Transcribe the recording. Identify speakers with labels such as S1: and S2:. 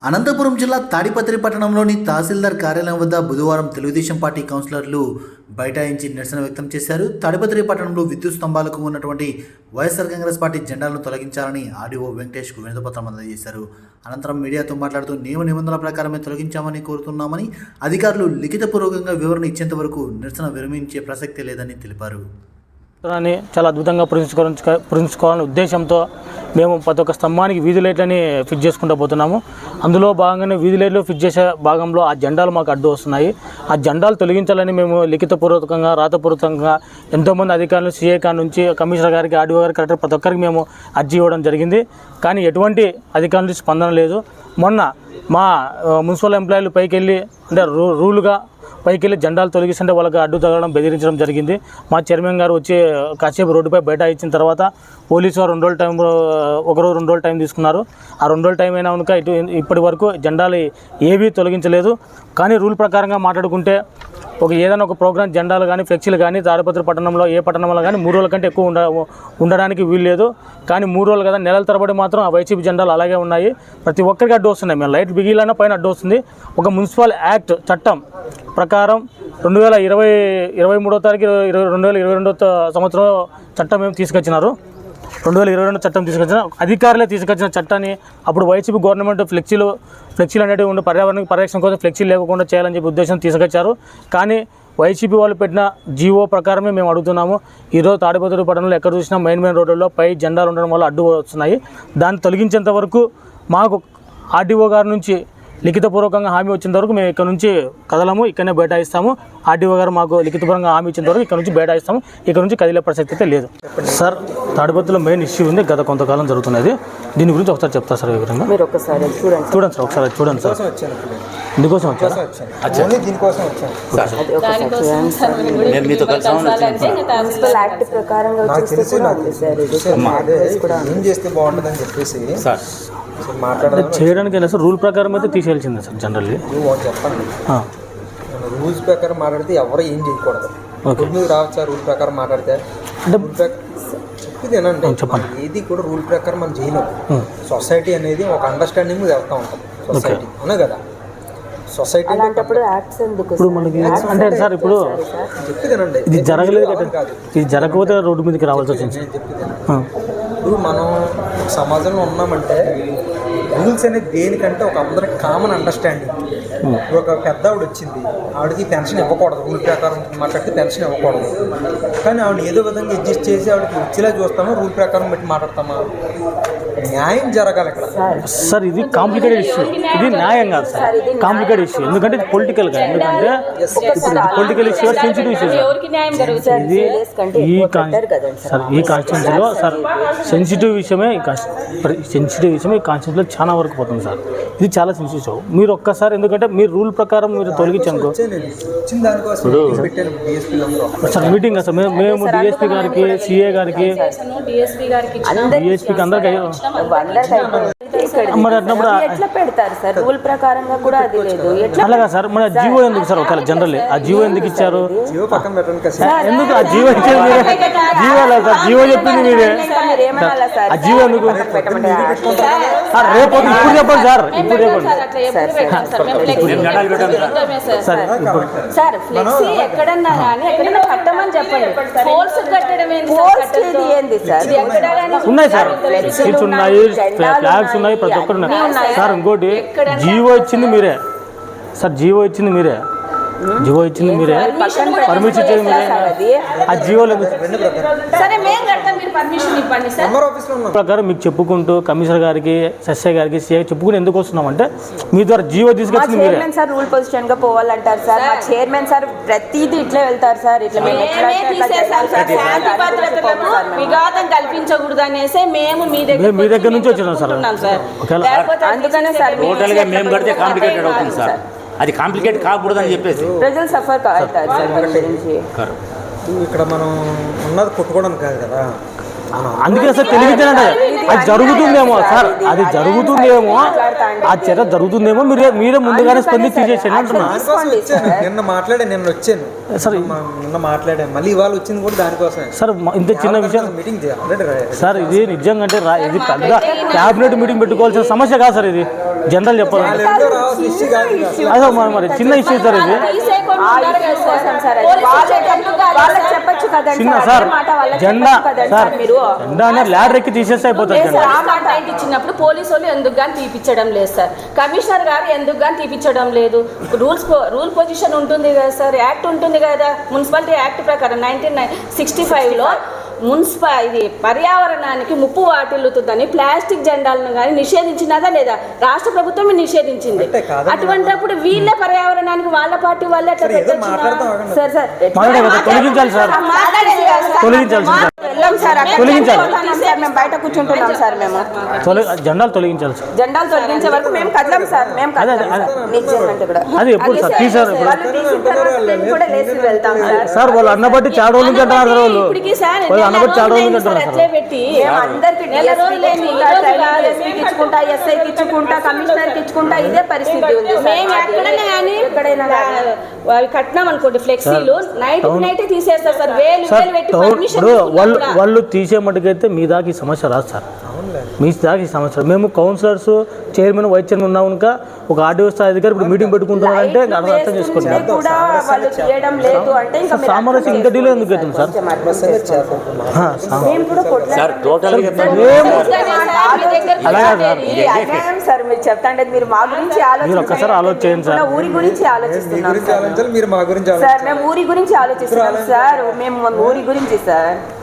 S1: అనంతపురం జిల్లా తాడిపత్రి పట్టణంలోని తహసీల్దార్ కార్యాలయం వద్ద బుధవారం తెలుగుదేశం పార్టీ కౌన్సిలర్లు బైఠాయించి నిరసన వ్యక్తం చేశారు. తాడిపత్రి పట్టణంలో విద్యుత్ స్తంభాలకు ఉన్నటువంటి వైఎస్ఆర్ కాంగ్రెస్ పార్టీ జెండాలను తొలగించాలని ఆర్డీఓ వెంకటేష్కు వినతిపత్రం అందజేశారు. అనంతరం మీడియాతో మాట్లాడుతూ నియమ నిబంధనల ప్రకారమే తొలగించామని కోరుతున్నామని, అధికారులు లిఖితపూర్వకంగా వివరణ ఇచ్చేంత వరకు నిరసన విరమించే ప్రసక్తి లేదని తెలిపారు.
S2: చాలా అద్భుతంగా పురించుకోవాలనే ఉద్దేశంతో మేము ప్రతి ఒక్క స్తంభానికి వీధి లైట్లని ఫిట్ చేసుకుంటూ పోతున్నాము. అందులో భాగంగానే వీధి లైట్లు ఫిట్ చేసే భాగంలో ఆ జెండాలు మాకు అడ్డు వస్తున్నాయి. ఆ జెండాలు తొలగించాలని మేము లిఖితపూర్వకంగా రాతపూర్వకంగా ఎంతోమంది అధికారులు సీఏ కాడ నుంచి కమిషనర్ గారికి, ఆర్డీఓ గారికి, కలెక్టర్ ప్రతి ఒక్కరికి మేము అర్జీ ఇవ్వడం జరిగింది. కానీ ఎటువంటి అధికారుల నుంచి స్పందన లేదు. మొన్న మా మున్సిపల్ ఎంప్లాయీలు పైకి వెళ్ళి అంటే రూల్గా పైకి వెళ్ళి జెండాలు తొలగిస్తుంటే వాళ్ళకి అడ్డు తగలడం, బెదిరించడం జరిగింది. మా చైర్మన్ గారు వచ్చి కాసేపు రోడ్డుపై బయట ఇచ్చిన తర్వాత పోలీసు వారు 2 రోజుల టైం, ఒకరోజు 2 రోజులు టైం తీసుకున్నారు. ఆ 2 రోజుల టైం అయినా కనుక ఇప్పటి వరకు జెండాలు ఏవీ తొలగించలేదు. కానీ రూల్ ప్రకారంగా మాట్లాడుకుంటే ఏదైనా ఒక ప్రోగ్రామ్ జెండాలు కానీ ఫ్లెక్సీలు కానీ తాడిపత్రి పట్టణంలో ఏ పట్టణంలో కానీ 3 రోజుల కంటే ఎక్కువ ఉండడానికి వీలు లేదు. కానీ 3 రోజులు కదా, నెలల తరబడి మాత్రం ఆ వైసీపీ జెండాలు అలాగే ఉన్నాయి. ప్రతి ఒక్కరికి అడ్డు వస్తున్నాయి. మేము లైట్ బిగిలైనా పైన అడ్డు వస్తుంది. ఒక మున్సిపల్ యాక్ట్ చట్టం ప్రకారం 2023వ తారీఖు 2022 సంవత్సరం చట్టం మేము తీసుకొచ్చినారు. 2022 చట్టం తీసుకొచ్చిన అధికారులే తీసుకొచ్చిన చట్టాన్ని అప్పుడు వైసీపీ గవర్నమెంట్ ఫ్లెక్సీలు అనేవి ఉండి పర్యావరణ పరిరక్షణ కోసం ఫ్లెక్సీలు లేకుండా చేయాలని చెప్పి ఉద్దేశం తీసుకొచ్చారు. కానీ వైసీపీ వాళ్ళు పెట్టిన జీవో ప్రకారమే మేము అడుగుతున్నాము. ఈరోజు తాడిపత్రి పట్టణంలో ఎక్కడ చూసినా మెయిన్ రోడ్డుల్లో పై జెండాలు ఉండడం వల్ల అడ్డు వస్తున్నాయి. దాన్ని తొలగించేంత వరకు మాకు ఆర్డీఓ గారి నుంచి లిఖితపూర్వకంగా హామీ వచ్చేంత వరకు మేము ఇక్కడ నుంచి కదలము, ఇక్కడనే బైఠాయిస్తాము. ఆర్డీఓ గారు మాకు లిఖితపూర్వకంగా హామీ ఇచ్చేంత వరకు ఇక్కడ నుంచి బైఠాయిస్తాము. ఇక్కడ నుంచి కదిలే ప్రసక్తి అయితే లేదు. సార్, తాడిపత్రిలో మెయిన్ ఇష్యూ ఉంది, గత కొంతకాలం జరుగుతున్నది. దీని గురించి ఒకసారి చెప్తా సార్ వివరంగా.
S3: మీరు ఒకసారి చూడండి
S2: సార్, ఒకసారి చూడండి సార్. ఇందుకోసం వచ్చారు
S3: మున్సిపల్ యాక్ట్ ప్రకారంగా
S2: చేయడానికి సార్ రూల్ ప్రకారం అయితే తీసేయాల్సిందే సార్. జనరల్లీ
S4: చెప్పండి, రూల్స్ ప్రకారం మాట్లాడితే ఎవరు ఏం చేయకూడదు. రావచ్చు రూల్ ప్రకారం మాట్లాడితే అంటే
S2: చెప్పండి.
S4: ఏది కూడా రూల్ ప్రకారం మనం చేయలేము. సొసైటీ అనేది ఒక అండర్స్టాండింగ్ వెళ్తూ ఉంటుంది. సొసైటీ అవునా కదా, సొసైటీ
S2: ఇప్పుడు మనకి అంటే సార్ ఇప్పుడు ఇది జరగలేదు కదా, ఇది జరగకపోతే రోడ్డు మీదకి రావాల్సి వచ్చింది.
S4: ఇప్పుడు మనం సమాజంలో ఉన్నామంటే రూల్స్ అనేది దేనికంటే ఒక అందరికి కామన్ అండర్స్టాండింగ్. ఒక పెద్ద ఆవిడ వచ్చింది, ఆవిడకి పెన్షన్ ఇవ్వకూడదు, రూల్ ప్రకారం మాట్లాడితే పెన్షన్ ఇవ్వకూడదు. కానీ ఆవిడ ఏదో విధంగా అడ్జస్ట్ చేసి ఆవిడకి వచ్చేలా చూస్తామా, రూల్ ప్రకారం బట్టి మాట్లాడతామా? న్యాయం జరగాలి ఇక్కడ
S2: సార్. ఇది కాంప్లికేటెడ్ ఇష్యూ, ఇది న్యాయం కాదు సార్, కాంప్లికేటెడ్ ఇష్యూ. ఎందుకంటే ఇది పొలిటికల్గా, ఎందుకంటే ఇప్పుడు political issue, sensitive issue sir. ఇది ఈ కాన్స్టిట్యూన్సీలో సార్ సెన్సిటివ్ విషయమే, ఈ కాన్స్టిట్యూన్సీలో చాలా వరకు పోతుంది సార్. ఇది చాలా సెన్సిటివ్. మీరు ఒక్కసారి, ఎందుకంటే మీరు రూల్ ప్రకారం మీరు తొలగించాను సార్. మీటింగ్ సార్ మేము డిఎస్పీ గారికి, సిఏ గారికి, డిఎస్పీకి అందరికీ మరి అట్టినప్పుడు
S3: ఎట్లా పెడతారు సార్? రూల్ ప్రకారంగా కూడా అది లేదు.
S2: అలాగా సార్, మన జీవో ఎందుకు సార్? ఒకవేళ జనరల్ ఆ జీవో ఎందుకు ఇచ్చారు? ఎందుకు ఆ జీవో ఇచ్చేది మీరే? జీవో లేదు సార్, జీవో చెప్పింది మీరే. ఆ జీవో ఎందుకు రేపు ఇప్పుడు చెప్పండి సార్, ఇప్పుడు చెప్పండి
S3: సార్. సార్ ఫ్లెక్సీ ఎక్కడన్నా కానీ ఎక్కడన్నా కట్టమని చెప్పండి.
S2: ఉన్నాయి సార్, సీట్స్ ఉన్నాయి, ఫ్లాగ్స్ ఉన్నాయి, ప్రతి ఒక్కరు ఉన్నాయి సార్. ఇంకోటి జీవో ఇచ్చింది మీరే సార్, జీవో ఇచ్చింది మీరే, పర్మిషన్ ఇచ్చేది మీరే. ఆ జీవోలో ప్రకారం మీకు చెప్పుకుంటూ కమిషనర్ గారికి, ఎస్ఐ గారికి, సిఐ చెప్పుకుని ఎందుకు వస్తున్నామంటే మీ ద్వారా జీవో తీసుకొచ్చింది మీరే.
S3: చైర్మన్ సార్ రూల్ పొజిషన్ గా పోవాలంటారు సార్. మా చైర్మన్ సార్ ప్రతిదీ ఇట్లా వెళ్తారు సార్. ఇట్లా
S5: విఘాతం కల్పించకూడదు అనేసి మేము
S2: మీ దగ్గర నుంచి వచ్చినాం సార్.
S3: అందుకనే సార్
S6: టోటల్ గా మేము కడితే కాంప్లికేటెడ్ అవుతుంది సార్. అది కాంప్లికేట్ కాకూడదు అని చెప్పేసి
S3: ప్రజలు సఫర్ అవుతారు సార్.
S4: ఇక్కడ మనం ఉన్నది కొట్టుకోవడం కాదు కదా,
S2: అందుకే సార్ తెలియజేయండి, అది జరుగుతుందేమో సార్, అది జరుగుతుందేమో, ఆ చర్య జరుగుతుందేమో మీరే ముందుగానే స్పందించి తీసేసేయండి అంటున్నా.
S4: దానికోసం వచ్చాను, నిన్న వచ్చాను
S2: సార్
S4: నిన్న మాట్లాడాను, మళ్ళీ ఇవాళ వచ్చింది కూడా దానికోసమే
S2: సార్. ఇంత చిన్న విషయం
S4: మీటింగ్ ఆల్రెడీ
S2: సార్, ఇది నిజంగా అంటే ఇది పెద్ద క్యాబినెట్ మీటింగ్ పెట్టుకోవాల్సిన సమస్య కాదు సార్, ఇది జనరల్ చెప్పాలంటే అదే మరి చిన్న ఇష్యూ సార్ ఇది.
S3: చెప్పచ్చు కదండి
S2: చిన్న సార్ జెండా సార్, జెండా అనేది ల్యాడర్ ఎక్కి తీసేస్తే అయిపోతుంది జెండా.
S5: కంప్లైంట్ ఇచ్చినప్పుడు పోలీసు వాళ్ళు ఎందుకు కానీ తీపిచ్చడం లేదు సార్, కమిషనర్ గారు ఎందుకు కానీ తీపిచ్చడం లేదు. రూల్ పొజిషన్ ఉంటుంది కదా సార్, యాక్ట్ ఉంటుంది కదా, మున్సిపాలిటీ యాక్ట్ ప్రకారం 1965లో ఇది పర్యావరణానికి ముప్పు వాటిల్లుతుందని ప్లాస్టిక్ జెండాలను కానీ నిషేధించినదా లేదా? రాష్ట్ర ప్రభుత్వమే నిషేధించింది. అటువంటిప్పుడు వీళ్ళే పర్యావరణానికి వాళ్ళ పార్టీ వాళ్ళే ఎట్లా పెట్టచ్చు సార్? సార్
S2: తొలగించాలి సార్, తొలగించాలి సార్,
S3: వెళ్ళాం సార్, మేము బయట కూర్చుంటున్నాం సార్, మేము
S2: జెండాలు తొలగించాలి సార్,
S3: జెండాలు తొలగించే వరకు మేము కదలం సార్, మేము
S2: అది ఎప్పుడు సార్ తీసారు
S3: కూడా లేచి వెళ్తాం సార్.
S2: సార్ వాళ్ళు అన్నబట్టి చాలా రోజుల నుంచి అంటున్నారు సార్, వాళ్ళు అన్నబట్టి చాలా రోజుల నుంచి అంటున్నారు సార్.
S3: అందరికి ఇచ్చుకుంటా, ఎస్ఐకి ఇచ్చుకుంటా, కమిషనర్కి ఇచ్చుకుంటా, ఇదే పరిస్థితి ఉంది.
S5: మేము ఎక్కడైనా కానీ కట్టినాం అనుకోండి ఫ్లెక్సీలు, నైట్ తీసేస్తారు సార్, వేలు పెట్టి పర్మిషన్
S2: వాళ్ళు తీసే మటుకైతే మీ దాకా ఈ సమస్య రాదు సార్, మీ దాకా ఈ సమస్య. మేము కౌన్సిలర్స్, చైర్మన్, వైస్ చైర్మన్ ఉన్నాం కనుక ఒక ఆర్డీఓ స్థాయి అధికారి ఇప్పుడు మీటింగ్ పెట్టుకుంటున్నారంటే అర్థం చేసుకోండి. సామరస్యం ఇంత డీలో ఎందుకు అవుతుంది సార్?
S6: సార్ టోటల్గా
S3: సార్ మీరు చెప్తాంటే మీరు మా గురించి
S2: మీరు ఒక్కసారి ఆలోచించండి సార్,
S3: ఊరి గురించి ఆలోచిస్తున్నాం
S4: మీరు మా గురించి
S3: సార్, మేము ఊరి గురించి ఆలోచిస్తున్నాం సార్, మేము ఊరి గురించి సార్.